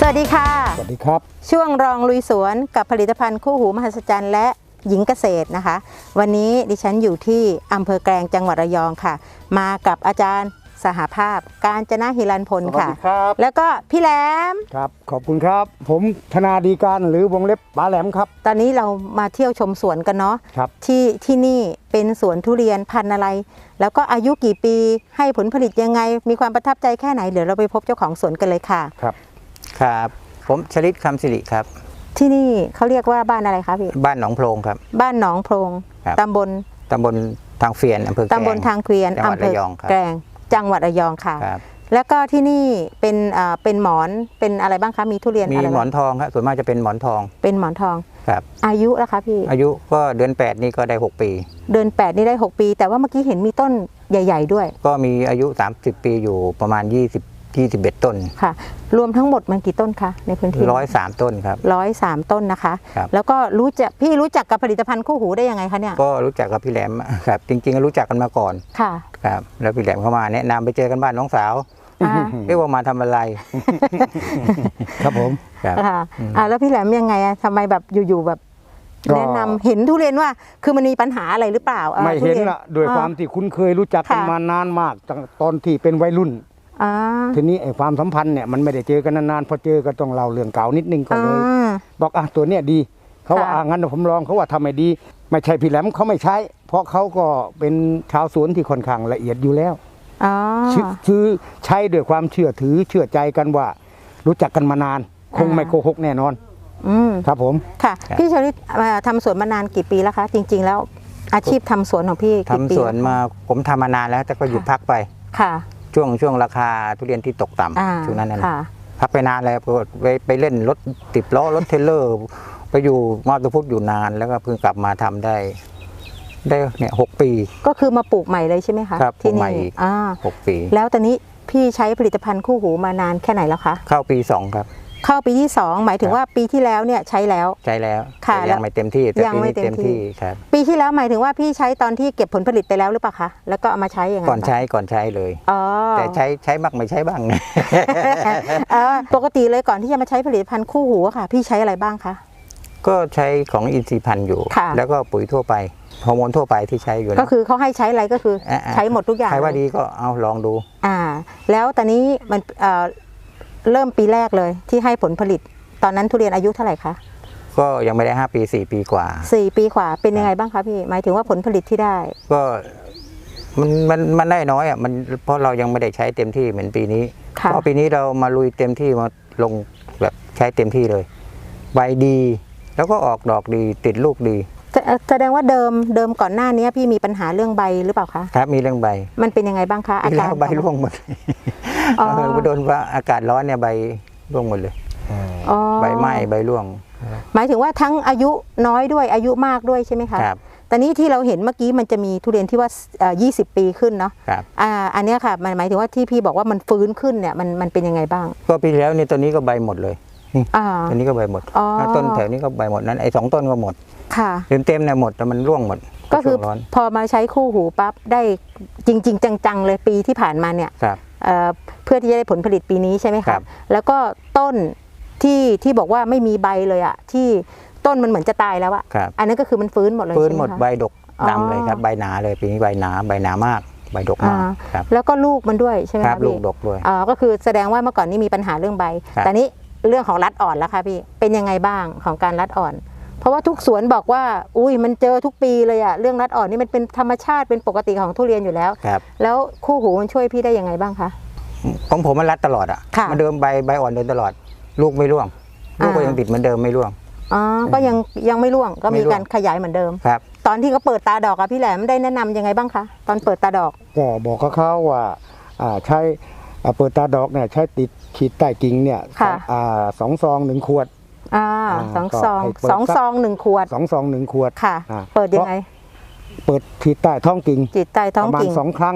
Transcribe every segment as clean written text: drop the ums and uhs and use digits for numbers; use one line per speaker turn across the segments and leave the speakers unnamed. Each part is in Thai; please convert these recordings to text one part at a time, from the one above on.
วัสดีค่ะ
สวัสดีครับ
ช่วงรองลุยสวนกับผลิตภัณฑ์คู่หูมหัศจรรย์และหญิงเกษตรนะคะวันนี้ดิฉันอยู่ที่อำเภอแกลงจังหวัดระยองค่ะมากับอาจารย์สหภาพกาญจนะฮิรันพลค่ะแล้วก็พี่แหลม
ครับขอบคุณครับผมธนาดีการหรือวงเล็บป๋าแหลมครับ
ตอนนี้เรามาเที่ยวชมสวนกันเนาะ
ครับ
ที่นี่เป็นสวนทุเรียนพันธุ์อะไรแล้วก็อายุกี่ปีให้ผลผลิตยังไงมีความประทับใจแค่ไหนเดี๋ยวเราไปพบเจ้าของสวนกันเลยค่ะ
ครับผมชลิตคำสิริครับ
ที่นี่เขาเรียกว่าบ้านอะไรคะพี่
บ้านหนองโพรงครับ
บ้านหนองโพรงตำบล
ทางเฟียนอำเภอแกลง
ตำบลทางเกวียนอำเภอแกลงจังหวัดระยองค่ะแล้วก็ที่นี่เป็นหมอนเป็นอะไรบ้างคะมีทุเรียน
มีหมอนทองครับส่วนมากจะเป็นหมอนทอง
เป็นหมอนทอง
ครับ
อายุแล้วคะพี่
อายุก็เดือน8นี่ก็ได้6ปี
เดือน8นี่ได้6ปีแต่ว่าเมื่อกี้เห็นมีต้นใหญ่ๆด้วย
ก็มีอายุ30ปีอยู่ประมาณ21ต้น
ค่ะรวมทั้งหมดมันกี่ต้นคะในพื้นที่
103ต้นครับ
103ต้นนะคะแล้วก็พี่รู้จักกับผลิตภัณฑ์คู่หูได้ยังไงคะเนี่ย
ก็รู้จักกับพี่แหลมครับจริงๆรู้จักกันมาก่อน
ค่ะ
ครับแล้วพี่แหลมเข้ามาแนะนำไปเจอกันบ้านน้องสาวเรียกว่ามาทำอะไร
ครับผม
ครับ
แล้วพี่แหลมยังไงทำไมแบบอยู่ๆแบบแนะนำเห็นทุเรียนว่าคือมันมีปัญหาอะไรหรือเปล่า
ไม่เห็นละโดยความที่คุ้นเคยรู้จักกันมานานมากตอนที่เป็นวัยรุ่นทีนี้ไอ้ความสัมพันธ์เนี่ยมันไม่ได้เจอกันนานๆพอเจอก็ต้องเล่าเรื่องเก่านิดนึงก็เลยบอกตัวเนี้ยดีเขาว่างั้นผมลองเขาว่าทำไม่ดีไม่ใช่พี่แหลมเขาไม่ใช้เพราะเขาก็เป็นชาวสวนที่ค่อนข้างละเอียดอยู่แล้วซื้อใช้ด้วยความเชื่อถือเชื่อใจกันว่ารู้จักกันมานานคงไม่โกหกแน่นอนครับผม
ค่ะพี่ชลิตทำสวนมานานกี่ปีแล้วคะจริงๆแล้วอาชีพทำสวนของพี่
ทำสวนมาผมทำมานานแล้วแต่ก็หยุดพักไป
ค่ะ
ช่วงราคาทุเรียนที่ตกต่ำช่วงนั้นนะพักไปนานแล้วไปเล่นรถ10 ล้อรถเทรลเลอร์ไปอยู่มาตุพุทธอยู่นานแล้วก็เพิ่งกลับมาทำได้เนี่ย6ปี
ก็คือมาปลูกใหม่เลยใช่ไหมคะ
ครับที่นี่6ปี
แล้วตอนนี้พี่ใช้ผลิตภัณฑ์คู่หูมานานแค่ไหนแล้วคะ
เข้าปี2ครับ
เข้าปีที่2หมายถึงว่าปีที่แล้วเนี่ยใช้แล้ว
ค่ะยังไม่เต็มที่แต่ปีนี้เต็มที่ครับ
ปีที่แล้วหมายถึงว่าพี่ใช้ตอนที่เก็บผลผลิตไปแล้วหรือเปล่าคะแล้วก็เอามาใช้ยังไง
ก่อนใช้เลยแต่ใช้บ้างไม่ใช้บ้าง
ปกติเลยก่อนที่จะมาใช้ผลิตภัณฑ์คู่หูค่ะพี่ใช้อะไรบ้างคะ
ก็ใช้ของอินทรีย์พันธุ์อยู่แล้วก็ปุ๋ยทั่วไปฮอร์โมนทั่วไปที่ใช้อยู่
ก็คือเขาให้ใช้อะไรก็คือใช้หมดทุกอย่าง
ใครว่าดีก็เอาลองดู
แล้วตอนนี้มันเริ่มปีแรกเลยที่ให้ผลผลิตตอนนั้นทุเรียนอายุเท่าไหร่คะ
ก็ยังไม่ได้5 ปี4 ปีกว่า
4 ปีกว่าเป็นยังไงบ้างคะพี่หมายถึงว่าผลผลิตที่ได้
ก็มันได้น้อยมันเพราะเรายังไม่ได้ใช้เต็มที่เหมือนปีนี้เพราะปีนี้เรามาลุยเต็มที่มาลงแบบใช้เต็มที่เลยใบดีแล้วก็ออกดอกดีติดลูกดี
แสดงว่าเดิมก่อนหน้านี้พี่มีปัญหาเรื่องใบหรือเปล่าคะ
ครับมีเรื่องใบ
มันเป็นยังไงบ้างคะ
อาการใบร่วงหมดโดนว่าอากาศร้อนเนี่ยใบร่วงหมดเลยใบไหม้ใบร่วง
หมายถึงว่าทั้งอายุน้อยด้วยอายุมากด้วยใช่ไหมคะ
ครับ
แต่นี้ที่เราเห็นเมื่อกี้มันจะมีทุเรียนที่ว่า20 ปีขึ้นเนาะ
ครับ
อันนี้ค่ะมันหมายถึงว่าที่พี่บอกว่ามันฟื้นขึ้นเนี่ยมันเป็นยังไงบ้าง
ก็ปีแล้วนี่ตัวนี้ก็ใบหมดเลยตัวนี้ก็ใบหมดต้นแถวนี้ก็ใบหมดนั้นไอ้2 ต้นก็หมด
ค่ะ
เต็มเนี่ยหมดแต่มันร่วงหมด
ก็คือพอมาใช้คู่หูปั๊บได้จริงๆจังๆเลยปีที่ผ่านมาเนี่ยเพื่อที่จะได้ผลผลิตปีนี้ใช่ไหมคะแล้วก็ต้นที่บอกว่าไม่มีใบเลยอ่ะที่ต้นมันเหมือนจะตายแล้วอ่ะอันนั้นก็คือมันฟื้นหมดเลย
ฟื้นหมดใบดกดำเลยครับใบหนาเลยปีนี้ใบหนามากใบดกมากครับ
แล้วก็ลูกมันด้วยใช่ไหม
ครับลูกดกด้วย
ก็คือแสดงว่าเมื่อก่อนนี้มีปัญหาเรื่องใบแต่นี้เรื่องของรัดอ่อนแล้วค่ะพี่เป็นยังไงบ้างของการรัดอ่อนเพราะว่าทุกสวนบอกว่าอุ้ยมันเจอทุกปีเลยอะเรื่องรัดอ่อนนี่มันเป็นธรรมชาติเป็นปกติของทุเรียนอยู่แล้วแล้วคู่หูมันช่วยพี่ได้ยังไงบ้างคะ
ของผมมันรัดตลอดอะมันเดิมใบอ่อนเดินตลอดลูกไม่ร่วงลูกก็ยังติดเหมือนเดิมไม่ร่วง
ก็ยังไม่ร่วงก็มีการขยายเหมือนเดิม
ครับ
ตอนที่เขาเปิดตาดอกอะพี่แหลมได้แนะนำยังไงบ้างคะตอนเปิดตาดอก
ก็บอกเขาว่าใช้เปิดตาดอกเนี่ยใช้ติดขีดใต้กิ่งเนี่ย2 ซอง 1 ขวด
2 ซอง1 ขวด
2 ซอง 1 ขวด
ค่ะเปิดยังไง
เปิดขีดใต้ท้องกิ่ง
ขีดใต้ท้องกิ่ง
ประมาณ2 ครั้ง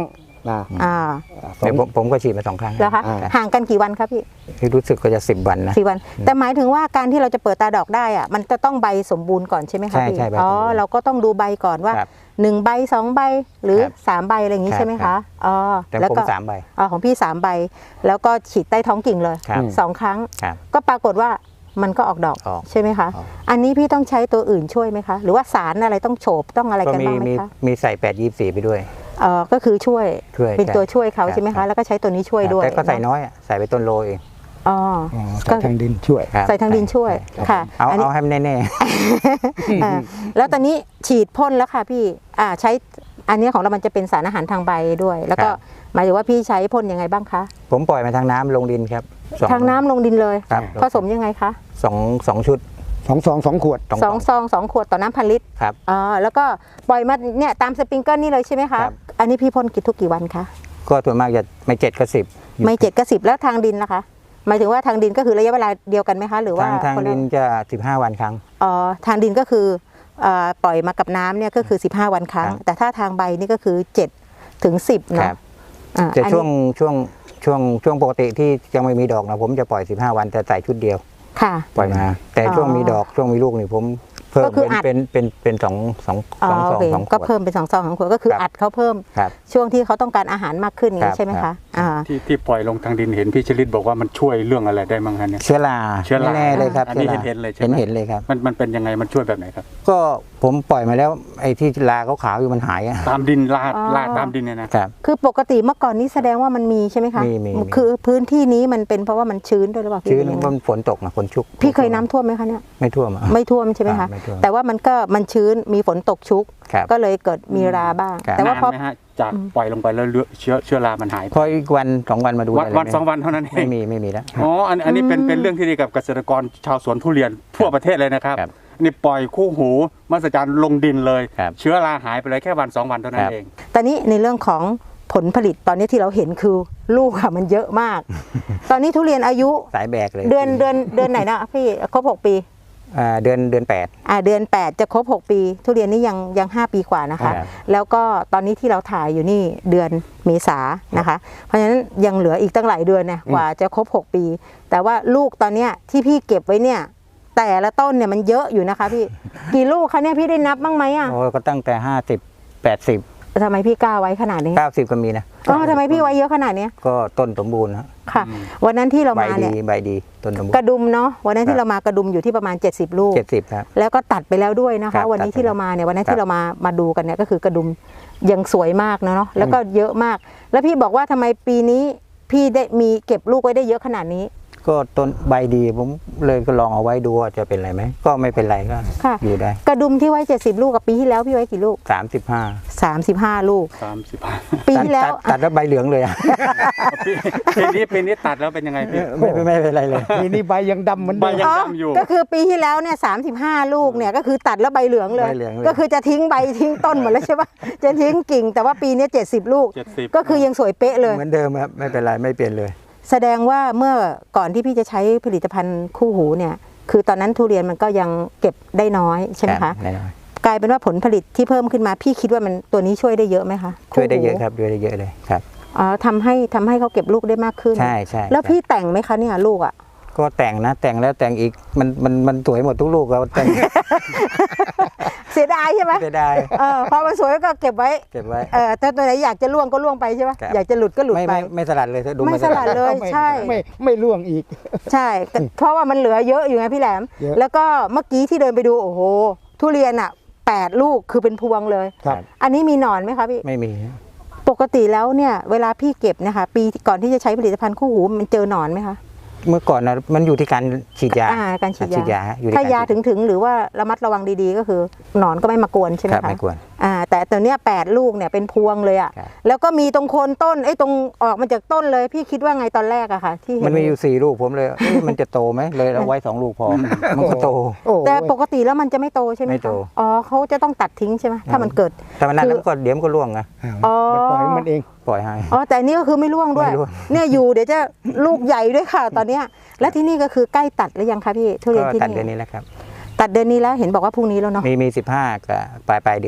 เดี๋ยวผมก็ฉีดมา2 ครั้ง
แล้วคะห่างกันกี่วันครับพี่
รู้สึกก็จะ10 วันนะ
10 วันแต่หมายถึงว่าการที่เราจะเปิดตาดอกได้อะมันจะต้องใบสมบูรณ์ก่อนใช่ไหมคะพี่
ใช่
เราก็ต้องดูใบก่อนว่า1 ใบ 2 ใบหรือ3 ใบอะไรอย่างนี้ใช่ไหมคะ
แต่ผม3 ใบ
ของพี่3 ใบแล้วก็ฉีดใต้ท้องกิ่งเลย2 ครั้งก็ปรากฏว่ามันก็ออกดอกใช่ไหมคะอันนี้พี่ต้องใช้ตัวอื่นช่วยไหมคะหรือว่าสารอะไรต้องโฉบต้องอะไรกันบ้างไหมคะ
มีใส่8-24ไปด้วย
ก็คือช่วยเป็นตัวช่วยเขาใช่ไหมคะแล้วก็ใช้ตัวนี้ช่วยด้วย
แต่ก็ใส่น้อยใส่ไปต้นโลเอง
ใส่ทางดินช่วย
ใส่ทางดินช่วยค่ะ
เอาให้แน่
ๆแล้วตอนนี้ฉีดพ่นแล้วค่ะพี่ใช้อันนี้ของเรามันจะเป็นสารอาหารทางใบด้วยแล้วก็หมายถึงว่าพี่ใช้พ่นยังไงบ้างคะ
ผมปล่อยมาทางน้ำลงดินครับ
ทางน้ำลงดินเลยผสมยังไงคะ
2 ชุด
2 ซอง 2 ขวด
2 ซอง 2 ขวดต่อน้ำ1,000 ลิตร
ครับ
แล้วก็ปล่อยมาเนี่ยตามสปริงเกิลนี่เลยใช่ไหมคะอันนี้พี่พ่นทุกกี่วันคะ
ก็ส่วนมากจะไม่7 ก็ 10
ไม่7 ก็ 10แล้วทางดินล่ะคะหมายถึงว่าทางดินก็คือระยะเวลาเดียวกันไหมคะหรือว่า
ทางดินจะ15 วันครั้ง
ทางดินก็คือปล่อยมากับน้ำเนี่ยก็คือ15 วันครั้งแต่ถ้าทางใบนี่ก็คือ7 ถึง 10เนาะ
แต่ช่วงปกติที่ยังไม่มีดอกนะผมจะปล่อย15 วันแต่ใส่ชุดเดียวปล่อยมาแต่ช่วงมีดอกช่วงมีลูกนี่ผมเพิ่มเป็น2 ซอง
ก็เพิ่มเป็น2 ซอง2 ขวดก็คืออัดเขาเพิ่มช่วงที่เขาต้องการอาหารมากขึ้นอย่างนี้ใช่ไหมคะ
ที่ปล่อยลงทางดินเห็นพี่ชลิตบอกว่ามันช่วยเรื่องอะไรได้บ้างคะเนี่ย
เชื้อราแน่เลยครับ
อันนี้เห็นเลยใช่ไหม
เห็นเลยครับ
มันเป็นยังไงมันช่วยแบบไหนครับ
ก็ผมปล่อยมาแล้วไอ้ที่ราขาวๆอยู่มันหาย
ตามดินลาดตามดินเนี่ยนะครับ
คือปกติเมื่อก่อนนี้แสดงว่ามันมีใช่ไหมคะ
มี
คือพื้นที่นี้มันเป็นเพราะว่ามันชื้นด้วยหรือเปล่า
ชื้นมันฝนตกนะฝนชุก
พี่เคยน้ำท่วมไหมคะเนี่ย
ไม่ท่วม
ใช่ไหมคะแต่ว่ามันชื้นมีฝนตกชุกก็เลยเกิดมีราบ้าง
แต่ว่าพอจากปล่อยลงไปแล้วเชื้อรามันหาย
พออีกวัน2 วันมาดู
วัน2 วันเท่านั้นเอง
ไม่มีแล้ว
อันนี้เป็นเรื่องที่ดีกับเกษตรกรชาวสวนทุเรียนทั่วประเทศเลยนะครับนี่ปล่อยคู่หูมหัศจรรย์ลงดินเลยเชื้อราหายไปเลยแค่วัน2 วันเท่านั้นเอง
ตอนนี้ในเรื่องของผลผลิตตอนนี้ที่เราเห็นคือลูกค่ะมันเยอะมากตอนนี้ทุเรียนอายุ
สายแบกเลย
เดือนไหนนะพี่ครบ6 ปี
เดือน8เ
ดือน 8จะครบ6 ปีทุเรียนนี่ยัง5 ปีกว่านะคะแล้วก็ตอนนี้ที่เราถ่ายอยู่นี่เดือนเมษายนนะคะเพราะฉะนั้นยังเหลืออีกตั้งหลายเดือนเนี่ยกว่าจะครบ6 ปีแต่ว่าลูกตอนเนี้ยที่พี่เก็บไว้เนี่ยแต่ละต้นเนี่ยมันเยอะอยู่นะคะพี่กี่ลูกคะเนี่ยพี่ได้นับบ้างไหม
ก็ตั้งแต่50 80
ทำไมพี่กล้าไว้ขนาดนี้
90ก็มีนะ
ทำไมพี่ไว้เยอะขนาดนี้
ก็ต้นสมบูรณ์
ค่ะวันนั้นที่เรามาเนี่ย
ใบดีต้นสมบูรณ์
กระดุมเนาะวันนั้นที่เรามากระดุมอยู่ที่ประมาณ70 ลูก
70ครับ
แล้วก็ตัดไปแล้วด้วยนะคะวันนี้ที่เรามาเนี่ยวันนั้นที่เรามาดูกันเนี่ยก็คือกระดุมยังสวยมากเนาะแล้วก็เยอะมากแล้วพี่บอกว่าทำไมปีนี้พี่ได้มีเก็บลูกไว้ได้เยอะขนาดนี้
ก็ต้นใบดีผมเลยก็ลองเอาไว้ดูว่าจะเป็นไรไหมก็ไม่เป็นไรก็อยู่ได้
กระดุมที่ไว้70 ลูกกับปีที่แล้วพี่ไว้กี่ลูก35 ลูกปีที่แล้ว
ตัดแล้วใบเหลืองเลย
ปีนี้ตัดแล้วเป็นยังไงพี่
ไม่เป็นไรเลย
ปีนี้ใบยังดำเหมือน
ใบยังดำอยู่
ก็คือปีที่แล้วเนี่ย35 ลูกเนี่ยก็คือตัดแล้วใบเหลืองเลยก็คือจะทิ้งใบทิ้งต้นหมดแล้วใช่ปะจะทิ้งกิ่งแต่ว่าปีนี้70 ลูกก็คือยังสวยเป๊ะเลย
เหมือนเดิมครับไม่เป็นไรไม่เปลี่ยนเลย
แสดงว่าเมื่อก่อนที่พี่จะใช้ผลิตภัณฑ์คู่หูเนี่ยคือตอนนั้นทุเรียนมันก็ยังเก็บได้น้อยใช่ไหมคะกลายเป็นว่าผลผลิตที่เพิ่มขึ้นมาพี่คิดว่ามันตัวนี้ช่วยได้เยอะไหมคะ
ช่วยได้เยอะครับช่วยได้เยอะเลยครับ
ทำให้เขาเก็บลูกได้มากขึ้น
ใช่
แล้วพี่แต่งไหมคะเนี่ยลูก
ก็แต่งนะแต่งแล้วแต่งอีกมันสวยหมดทุกลูกเราแต่ง
เสียดายใช่ไหม
เสียดาย
พอมันสวยก็เก็บไว้ถ้าตัวไหนอยากจะล่วงก็ล่วงไปใช่ไหมอยากจะหลุดก็หลุดไป
ไม่สลัดเลยดู
ไม่สลัดเลยใช่
ไม่ล่วงอีก
ใช่เพราะว่ามันเหลือเยอะอยู่ไงพี่แหลมแล้วก็เมื่อกี้ที่เดินไปดูโอ้โหทุเรียน8 ลูกคือเป็นพวงเลยอันนี้มีหนอนไหมคะพี่
ไม่มี
ปกติแล้วเนี่ยเวลาพี่เก็บนะคะปีก่อนที่จะใช้ผลิตภัณฑ์คู่หูมันเจอหนอนไหมคะ
เมื่อก่อนนะมันอยู่ที่การฉีดยา
การฉีดยาถ้ายาถึงหรือว่าระมัดระวังดีๆก็คือหนอนก็ไม่มากวนใช่ไหมคะ
ไม่กวน
แต่ตัวเนี้ย8 ลูกเนี่ยเป็นพวงเลยแล้วก็มีตรงโคนต้นตรงออกมาจากต้นเลยพี่คิดว่าไงตอนแรกอะค่ะที่
มันมีอยู่4 ลูกผมเลยมันจะโตไหมเลยเอาไว้2 ลูกพอมันก็โต
แต่ปกติแล้วมันจะไม่โตใช่ไหมคะเขาจะต้องตัดทิ้งใช่ไหมถ้ามันเกิด
แต่มันนั้นก็เดี๋ยวมันก็ร่วงไง
ปล่อยมันเอง
ปล่อยให้
แต่นี่ก็คือไม่ร่วงด้วยเนี่ยอยู่เดี๋ยวจะลูกใหญ่ด้วยค่ะตอนเนี้ยและที่นี่ก็คือใกล้ตัดหรือยังคะพี่ทุเรียนที่นี่
ตัดเดือนนี้แล้วครับ
ตัดเดือนนี้แล้วเห็นบอกว่าพรุ่งนี้แล้วเนาะ
มี15กับปลายเดือน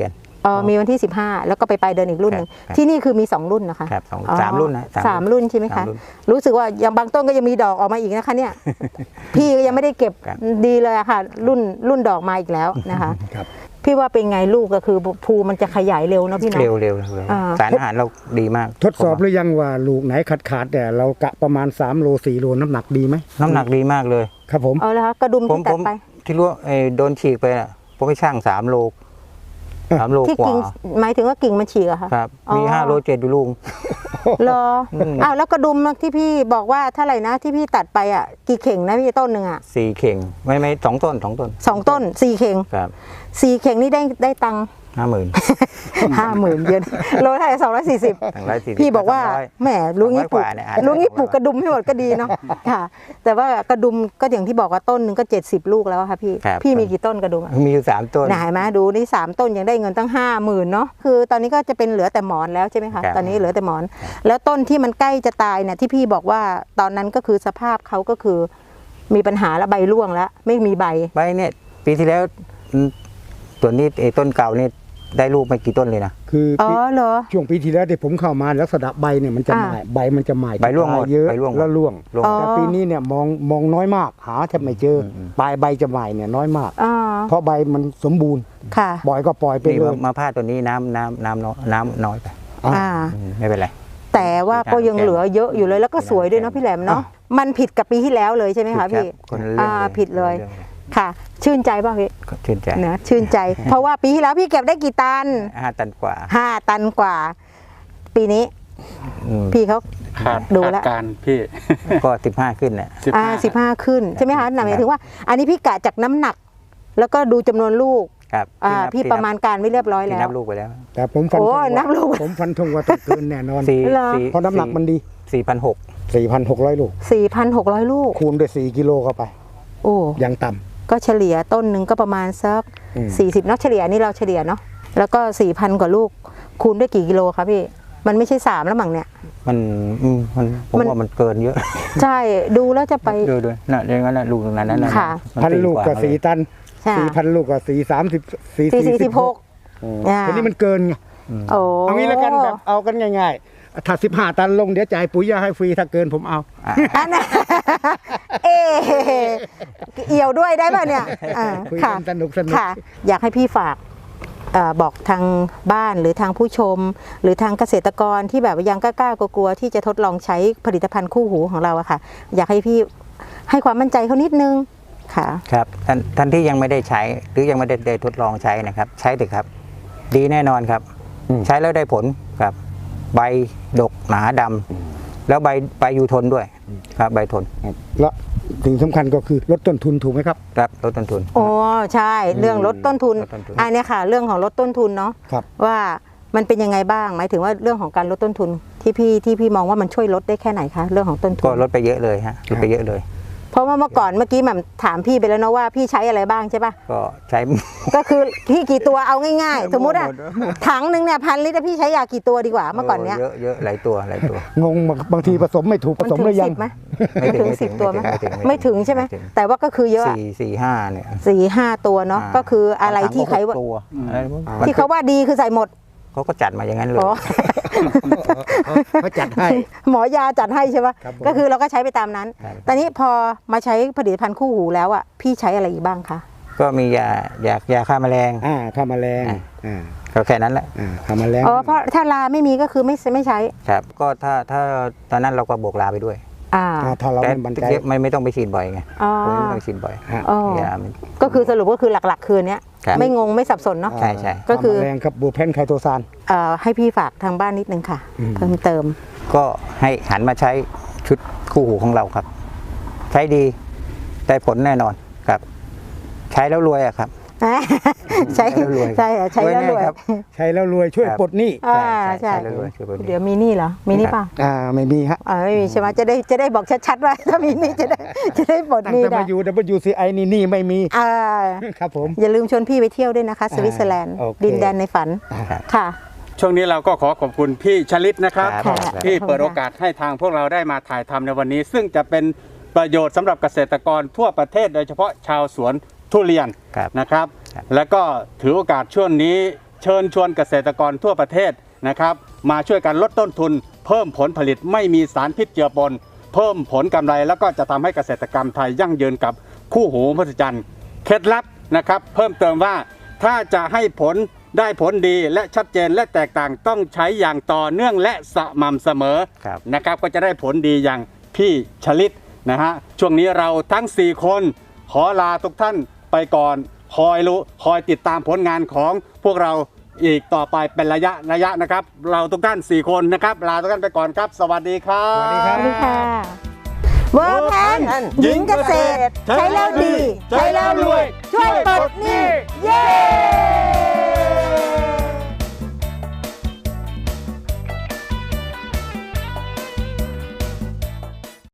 มีวันที่15แล้วก็ไปปลายเดือนอีกรุ่นหนึ่งที่นี่คือมี2รุ่นนะคะ
ครับสามรุ่นนะ
สามรุ่นใช่ไหมคะรู้สึกว่ายังบางต้นก็ยังมีดอกออกมาอีกนะคะเนี่ย พี่ก็ยังไม่ได้เก็บดีเลยอะค่ะรุ่นดอกมาอีกแล้วนะคะพี่ว่าเป็นไงลูกก็คือภูมันจะขยายเร็วเนาะพี่เนาะ
เร็วสารอาหารเราดีมาก
ทดสอบหรือยังว่าลูกไหนขาดแต่เรากะประมาณ3โล4โลน้ำหนักดีไหม
น้ำหนักดีมากเลย
ครับผม
เอาละคะกระดุมที่ตัดไป
ที่รู้โดนฉีกไปอ่ะผมไปช่าง3 โล
ที่กิ่งหมายถึงว่ากิ่งมันฉีกอะค่ะ
ครับมี5 โล 7ดูลุง
รออ้าวแล้วกระดุมที่พี่บอกว่าเท่าไหร่นะที่พี่ตัดไปอ่ะกี่เข่งนะพี่ต้นหนึ่งอ่ะ
4 เข่งไม่2 ต้น2 ต้น
2 ต้น4 เข่ง
ครับ
4 เข่งนี่ได้ตังค์50,000 เยนโลเท่าไหร่240พี่บอกว่าแหมลุงนี่ปลูกกระดุมให้หมดก็ดีเนาะค่ะแต่ว่ากระดุมก็อย่างที่บอกว่าต้นหนึ่งก็70 ลูกแล้วค่ะพี่มีกี่ต้นกระดุม
มีอยู่3 ต้น
ไหนมาดูนี่3 ต้นยังได้เงินตั้ง50,000เนาะคือตอนนี้ก็จะเป็นเหลือแต่หมอนแล้วใช่ไหมคะตอนนี้เหลือแต่หมอนแล้วต้นที่มันใกล้จะตายเนี่ยที่พี่บอกว่าตอนนั้นก็คือสภาพเขาก็คือมีปัญหาแล้วใบร่วงแล้วไม่มีใบ
เนี่ยปีที่แล้วตัวนี้ต้นเก่านี่ได้ลูกไม่กี่ต้นเลยนะ
คือเหรอช่วงปีที่แล้วที่ผมเข้ามาลักษณะใบเนี่ยมันจะใบมันจะใหม่
ใบร่วง
เยอะแล้วร่วงแต่ปีนี้เนี่ยมองน้อยมากหาแทบไม่เจอปลายใบจะใหม่เนี่ยน้อยมากเพราะใบมันสมบูรณ์ปล่อยก็ปล่อยไปเลย
มาผ้าตัวนี้น้ำน้อยไปไม่เป็นไร
แต่ว่าก็ยังเหลือเยอะอยู่เลยแล้วก็สวยด้วยเนาะพี่แหลมเนาะมันผิดกับปีที่แล้วเลยใช่ไหมคะพี่ผิดเลยค่ะชื่นใจป่ะพี่
ชื่นใจ
นะชื่นใจเพราะว่าปีที่แล้วพี่เก็บได้กี่ตัน
5 ตันกว่า
5 ตันกว่าปีนี้พี่เขาดูแล้ว
การพี่
ก็15ขึ้นเนี่ย
15ขึ้นใช่ไหมคะหมายถึงว่าอันนี้พี่กะจากน้ำหนักแล้วก็ดูจำนวนลูก
ครับ
พี่ประมาณการไม่เรียบร้อยแล้ว
นับลูกไปแล้ว
แต่ผมฟันผมฟันธงว่าต้องเกินแน่นอนเพราะน้ำหนักมันดี 4,600 ลูก
4,600 ลูก
คูณด้วย4 กิโลเข้าไป
โอ้
ยังต่ำ
ก็เฉลี่ยต้นหนึ่งก็ประมาณสัก40เนาะเฉลี่ยนี่เราเฉลี่ยเนาะแล้วก็ 4,000 กว่าลูกคูณด้วยกี่กิโลคะพี่มันไม่ใช่3แล้วมั้งเนี่ย
มันผมว่ามันเกินเยอะ
ใช่ดูแล้วจะไป
ดูน่ะอย่างนั้นลูกนั้นนั่น
ค่ะ
1,000 ลูกกับ4 ตัน 4,000 ลูกกับ4ทีนี้มันเกินไงเอางี้แล้วกันแบบเอากันง่ายๆถ้า15 ตันลงเดี๋ยวจ่ายปุ๋ยยาให้ฟรีถ้าเกินผมเอา
เอี่ยวด้วยได้ป่ะเนี่ย
ค่ะสนุก
ค่ะอยากให้พี่ฝากบอกทางบ้านหรือทางผู้ชมหรือทางเกษตรกรที่แบบยังกล้ากลัวที่จะทดลองใช้ผลิตภัณฑ์คู่หูของเราอะค่ะอยากให้พี่ให้ความมั่นใจเขานิดนึงค่ะ
ครับท่านที่ยังไม่ได้ใช้หรือยังไม่ได้ทดลองใช้นะครับใช้เถอะครับดีแน่นอนครับใช้แล้วได้ผลครับใบดกหนาดำแล้วใบอยู่ทนด้วยครับใบทน
และสิ่งสำคัญก็คือลดต้นทุนถูกไหมครับ
ครับลดต้นทุน
โอ้ใช่เรื่องลดต้นทุนอันนี้ค่ะเรื่องของลดต้นทุนเนาะว่ามันเป็นยังไงบ้างหมายถึงว่าเรื่องของการลดต้นทุนที่พี่มองว่ามันช่วยลดได้แค่ไหนคะเรื่องของต้นทุน
ก็ลดไปเยอะเลยฮะลดไปเยอะเลย
เพราะว่าเมื่อกี้แหม่มถามพี่ไปแล้วนะว่าพี่ใช้อะไรบ้างใช่ป่ะ
ก็ใช้
ก็คือพี่กี่ตัวเอาง่ายๆสมมติอะถังนึงเนี่ย1,000 ลิตรพี่ใช้ยากี่ตัวดีกว่าเมื่อก่อนเนี้ย
เยอะหลายตัว
งงบางทีผสมไม่ถูกผสมหรือยัง
ไม่ถึง10 ตัวไหมไม่ถึงใช่ไหมแต่ว่าก็คือเยอะ
4-5เนี่ย
4-5 ตัวเนาะก็คืออะไรที่ใครว่าที่เขาว่าดีคือใส่หมด
เขาก็จัดมาอย่างนั้นเลย
เขาจัดให้
หมอยาจัดให้ใช่ปะก็คือเราก็ใช้ไปตามนั้นตอนนี้พอมาใช้ผลิตภัณฑ์คู่หูแล้วอ่ะพี่ใช้อะไรอีกบ้างคะ
ก็มียาฆ่าแมลง
ฆ่าแมลง
ก็แค่นั้นแหละ
ฆ่าแมลง
เพราะถ้าลาไม่มีก็คือไม่ใช้
ครับก็ถ้าตอนนั้นเราก็บวกลาไปด้วย
ถ้าเราไม่บันใจ
ไม่ต้องไปฉีดบ่อยไงไม่ต้องฉีดบ่อย
ก็คือสรุปก็คือหลักๆคืนนี้ไม่งงไม่สับสนเนาะ
ใช่
ก็คือ
แรงครับบูเพนไคโตซาน
ให้พี่ฝากทางบ้านนิดนึงค่ะเพิ่มเติม
ก็ให้หันมาใช้ชุดคู่หูของเราครับใช้ดีได้ผลแน่นอนครับใช้แล้วรวยอะครับ
ใช้แล้วรวยใช่แล้วรวย
ใช้แล้วรวยช่วยปลดหนี้
ใช่เดี๋ยวมีหนี้เหรอมีหนี้ป่ะ
ไม่มีฮะ
ไม่มีใช่ไหมจะได้บอกชัดๆว่าถ้ามีหนี้จะได้ปลดหนี้ได้
แต่มาอยู่ WCI นี่ไม่มีครับผม
อย่าลืมชวนพี่ไปเที่ยวด้วยนะคะสวิตเซอร์แลนด์ดินแดนในฝันค่ะ
ช่วงนี้เราก็ขอบคุณพี่ชลิตนะครับที่เปิดโอกาสให้ทางพวกเราได้มาถ่ายทำในวันนี้ซึ่งจะเป็นประโยชน์สำหรับเกษตรกรทั่วประเทศโดยเฉพาะชาวสวนทุเรียนนะครับแล้วก็ถือโอกาสช่วงนี้เชิญชวนเกษตรกรทั่วประเทศนะครับมาช่วยกันลดต้นทุน เพิ่มผลผลิตไม่มีสารพิษเจือปนเพิ่มผลกำไรแล้วก็จะทำให้เกษตรกรรมไทยยั่งยืนกับคู่หูมหัศจรรย์เคล็ดลับนะครับเพิ่มเติมว่าถ้าจะให้ผลได้ผลดีและชัดเจนและแตกต่างต้องใช้อย่างต่อเนื่องและสม่ำเสมอนะครับก็จะได้ผลดีอย่างพี่ชลิตนะฮะช่วงนี้เราทั้ง4คนขอลาทุกท่านไปก่อนคอยติดตามผลงานของพวกเราอีกต่อไปเป็นระยะนะครับเราทุกท่าน4คนนะครับลาทุกท่านไปก่อนครับสวัสดีครับ
สวัสดีครับ
สวัสดีค่ะเวิร์กแพนหญิงเกษตร ใช้แล้วดี ใช้แล้วรวย ช่วยปลดหนี้เย้